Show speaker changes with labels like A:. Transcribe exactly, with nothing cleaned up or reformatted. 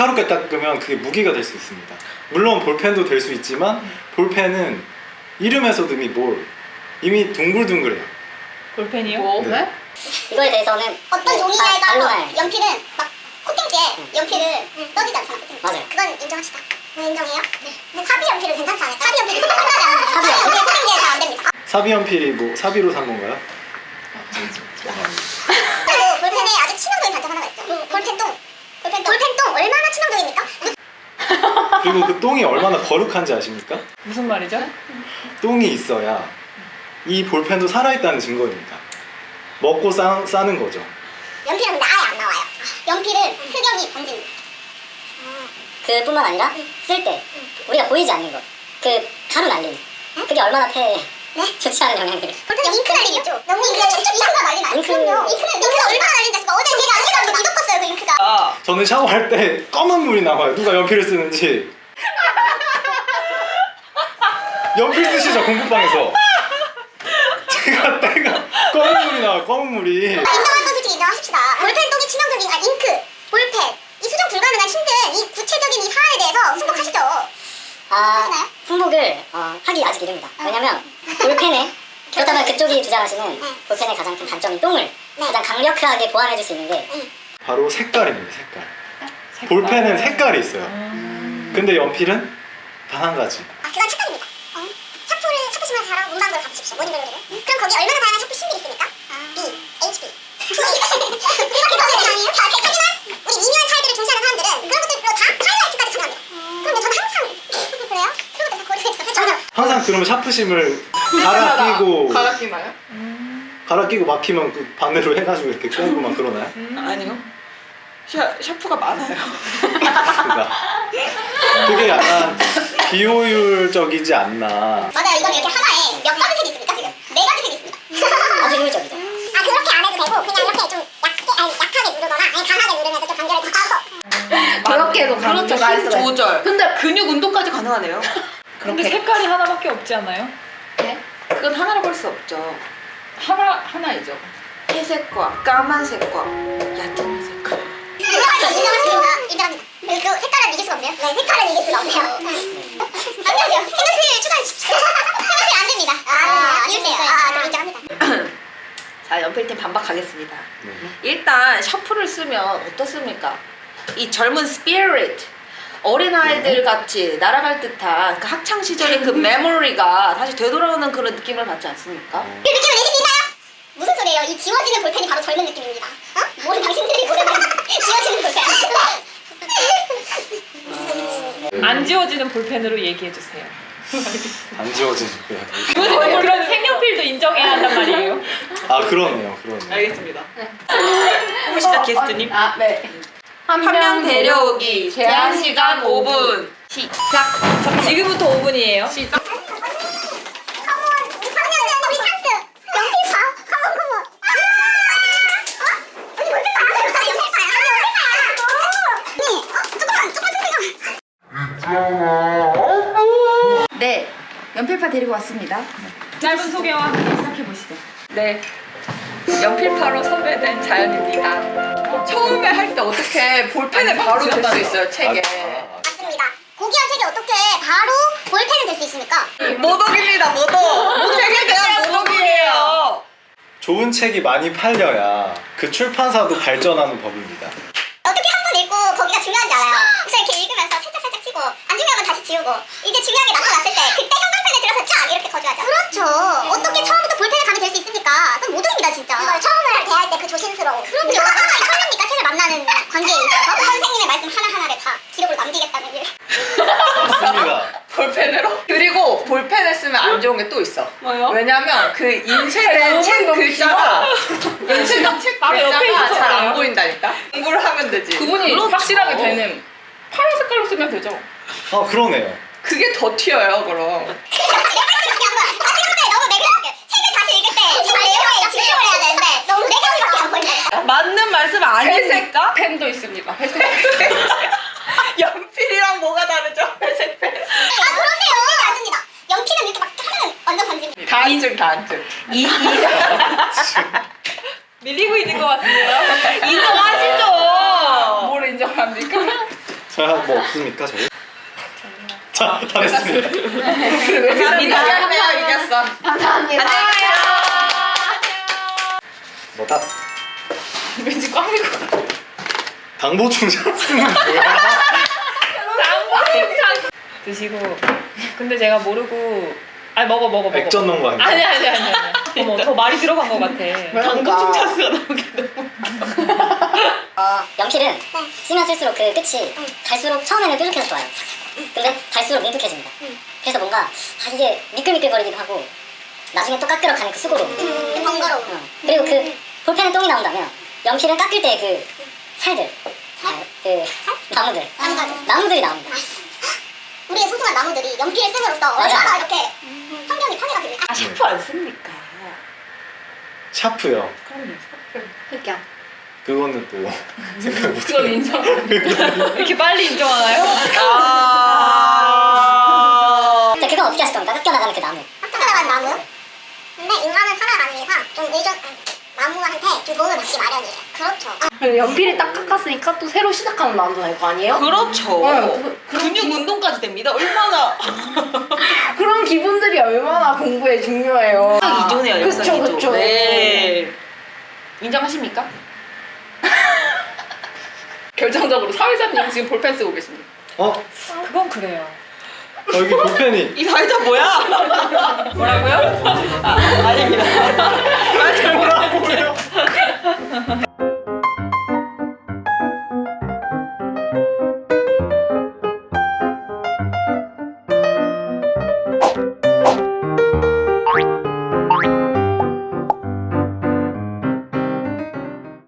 A: 날카롭게 닦으면 그게 무기가 될 수 있습니다. 물론 볼펜도 될 수 있지만 볼펜은 이름에서도 이미 뭘 이미 둥글둥글해요.
B: 볼펜이요?
C: 뭐?
A: 네.
D: 이거에 대해서는
E: 어떤 종이냐에 따라서
D: 반론할.
E: 연필은 막 코팅지에 연필을 써지지 않잖아. 코팅지.
D: 맞아요.
E: 그건 인정합시다. 네, 인정해요? 네. 근데 사비 연필은 괜찮지 않아요? 사비 연필이 끝나지 않아요. 사비 연필 코팅지에 잘 안 됩니다.
A: 사비 연필이 뭐 사비로 산 건가요?
E: 그리고 볼펜에 아주 치명적인 단점 하나가 있죠. 볼펜똥. 볼펜똥. 볼펜똥 얼마나 치명적입니까?
A: 그리고 그 똥이 얼마나 거룩한지 아십니까?
B: 무슨 말이죠?
A: 똥이 있어야 이 볼펜도 살아있다는 증거입니다. 먹고 싸, 싸는 거죠.
E: 연필은 근데 아예 안 나와요. 연필은 흑연이 번집니다.
D: 그뿐만 아니라 쓸 때 우리가 보이지 않는 것, 그 가루 날림, 그게 얼마나 폐에
E: 네?
D: 좋지 않은 영향을.
E: 볼펜 잉크 날림 있죠? 너무 잉크가 잉크가 난리 나요.
D: 잉크.
E: 그럼요. 잉크는 잉크가 얼마나 날린지 아십니까? 어제 제가 제가 뭐 뒤덮었어요 그 잉크가.
B: 아,
A: 저는 샤워할 때 검은 물이 나와요. 누가 연필을 쓰는지. 연필 쓰시죠, 공부방에서. 제가 때가 검은 물이 나와요, 검은 물이.
E: 아, 인정할 건 솔직히 인정하십시다. 볼펜 똥이 치명적인 아 잉크, 볼펜 이 수정 불가능한 힘든 이 구체적인 이 사안에 대해서 승복하시죠.
D: 아,
E: 하시나요?
D: 승복을 어, 하기 아직 이릅니다. 왜냐면 볼펜에 그렇다면 그쪽이 주장하시는
E: 네.
D: 볼펜의 가장 큰 단점인 똥을
E: 네.
D: 가장 강력하게 보완해줄 수 있는 게
A: 바로 색깔입니다, 색깔. 볼펜은 색깔이 있어요. 근데 연필은 단 한 가지.
E: 아 그건 착각입니다. 어? 샤프를 샤프심을 사러 문방구를 가보십시오. 모닝 글로리를. 그럼 거기 얼마나 다양한 샤프 심들이 있습니까? B, 에이치 피. 그렇게 거절이 아니에요? 하지만 우리 미묘한 차이들을 중시하는 사람들은 그런 것들로 다 하이라이트까지 가능합니다. 그럼 저는 항상 그래요? 그런 것들 다 고려해서 저는
A: 항상 그러면 샤프심을 갈아 끼고
C: 갈아 끼나요?
A: 갈아 끼고 막히면 그 반대로 해가지고 이렇게 끌고 막 그러나요?
C: 아니요. 샤, 샤프가 많아요.
A: 그러니까 그게 약간 비효율적이지 않나.
E: 맞아요. 이건 이렇게 하나에 몇 가지 색이 있습니까 지금? 네 가지 색이 있습니다.
D: 아주 효율적이죠.
E: 아 그렇게 안 해도 되고 그냥 이렇게 좀 약게 아니 약하게 누르거나 아니 강하게 누르면서 좀 간결을 더
C: 그렇게 해도
D: 그렇죠.
C: 힘 조절. 근데 근육 운동까지 가능하네요.
B: 근데
C: 그렇게.
B: 색깔이 하나밖에 없지 않아요?
C: 네? 그건 하나로 볼 수 없죠. 하나 하나이죠. 회색과 까만색과 얕은 색깔.
E: 인정하십니다. 인정합니다. 그, 그 색깔은 이길 수가 없네요. 네, 색깔은 이길 수가 없네요. 안 되죠. 색연필 추가해주십시오. 색연필 안 됩니다. 아, 아쉽네요. 아, 좀 인정합니다.
C: 자, 연필팀 반박하겠습니다.
A: 네.
C: 일단 샤프를 쓰면 어떻습니까? 이 젊은 스피릿, 어린아이들 같이 날아갈 듯한 그 학창 시절의 그 메모리가 다시 되돌아오는 그런 느낌을 받지 않습니까?
E: 그 느낌을 내실 수 있나요? 무슨 소리예요? 이 지워지는 볼펜이 바로 젊은 느낌입니다. 어? 뭐 당신들이 모르는 지워지는 볼펜.
B: 안 지워지는 볼펜으로 얘기해주세요.
A: 안 지워지는 거예요.
B: 그런, 그런 색연필도 인정해야 한단 말이에요.
A: 아 그러네요, 그러네요.
C: 알겠습니다.
B: 혹시나 게스트님?
C: 아, 네. 한 명 데려오기 제한 시간 오 분. 시작.
B: 지금부터 오 분이에요.
C: 시작.
E: 컴온, 작년 우리 찬스. 연필 봐. 컴온, 컴온. 어? 언니 볼펜 봐. 나 연필 봐요. 나 연필 봐요. 네. 어? 조금만, 조금만 조금만.
C: 네. 연필파 데리고 왔습니다.
B: 짧은 소개와 함께 시작해보시죠.
F: 네, 연필파로 섭외된 자연입니다. 처음에 할 때 어떻게 볼펜을 바로 댈 수 있어요, 책에.
A: 아,
E: 맞습니다. 고귀한 책이 어떻게 바로 볼펜을 될 수 있습니까?
F: 모독입니다, 모독. 책에 대한 모독이에요.
A: 좋은 책이 많이 팔려야 그 출판사도 발전하는 법입니다.
E: 어떻게 한 번 읽고 거기가 중요한지 알아요. 그래서 이렇게 읽으면서 살짝 살짝 치고 안 중요한 건 다시 지우고 이제 중요한 게 나타났을 때 그때 형광펜에 들어서 쫙 이렇게 거주하죠. 그렇죠. 어떻게 처음부터 볼펜에 감이 될 수 있습니까? 그건 모독입니다 진짜. 이걸 처음을 대할 때 그 조심스러움. 그럼요. 설렙니까? 책을 만나는 관계에 있어서 선생님의 말씀 하나하나를 다 기록으로 남기겠다는 일.
A: 맞습니다.
F: 볼펜으로? 그리고 볼펜을 쓰면 안 좋은 게 또 있어.
B: 뭐요?
F: 왜냐면 그 인쇄된 책 글자가 인쇄된 책
B: 바로 옆에
F: 글자가
B: 있어서
F: 잘 안
B: 그래요?
F: 보인다니까? 공부를 하면 되지.
B: 구분이
C: 그렇죠.
B: 확실하게 되는 파란 색깔로 쓰면 되죠.
A: 아 그러네요.
F: 그게 더 튀어요, 그럼.
E: 다시 볼때 너무 매끄럽게 책을 다시 읽을 때 잘 내용에 집중을 해야 되는데 너무 매끄럽게 안 보인다.
C: 맞는 말씀 아닙니까?
F: 펜도 있습니다. 회색 펜. 연필이랑 뭐가 다르죠? 회색 펜.
E: 아 그렇네요. 맞습니다. 연필은 이렇게 막 하면 완전 반지.
F: 다한증, 다한증.
C: 이, 이,
B: 밀리고 있는 것 같은데요?
C: 인정하시죠?
F: 뭘 인정합니까?
A: 자, 뭐 없습니까 저희? 자, 다 됐습니다.
C: 감사합니다. 한 이겼어.
F: 감사합니다.
A: 뭐다?
B: 왠지 꽝일 것 같아.
A: 당보 충전 쓰는 뭐야?
B: 드시고. 근데 제가 모르고. 아니 먹어 먹어 먹어.
A: 액젓 넣은 거 아니야?
B: 아니 아니 아니 아니. 어머 더 말이 들어간 것 같아. 당근 충차스가 나오게 너무.
D: 어, 연필은 쓰면 쓸수록 그 끝이 갈수록 처음에는 뾰족해서 좋아요. 근데 갈수록 뭉툭해집니다. 그래서 뭔가 아, 이게 미끌미끌거리기도 하고 나중에 또 깎으러 가는 그 수고로.
E: 음, 번거로워.
D: 어. 그리고 그 볼펜에 똥이 나온다면 연필은 깎을 때 그 살들, 아, 그 나무들,
E: 나무가지.
D: 나무들이 나옵니다.
E: 우리의 소중한 나무들이 연필을 씀으로써
D: 맞아.
E: 얼마나 이렇게 환경이 파괴가 됩니까?
C: 아 샤프 안 씁니까?
A: 샤프요.
C: 그럼요.
F: 그러니까.
A: 그거는 또 생각 못
B: 그건 인정. 이렇게 빨리 인정하나요?
C: 아.
D: 자, 그건 어떻게 하실 겁니까? 깎여나가는 그 나무.
E: 깎아나간 나무. 근데 인간은 살아가기 위해서 좀 의존 나무한테 좀 도움을 받기 마련이에요. 그렇죠.
F: 연필이 딱 깎았으니까 또 새로 시작하는 마음도 될 거 아니에요?
C: 그렇죠.
F: 네, 그-
C: 근육 운동까지 됩니다. 얼마나
F: 그런 기분들이 얼마나 공부에 중요해요.
C: 역사 이존해요. 역사
F: 그쵸,
C: 이존.
F: 그쵸.
C: 네. 인정하십니까?
B: 결정적으로 사회자님 지금 볼펜 쓰고 계십니다.
A: 어?
B: 그건 그래요.
A: 어, 여기 볼펜이
C: 이 사회자 뭐야?
B: 뭐라고요?
C: 아, 아닙니다. 사회자
A: 뭐라고요?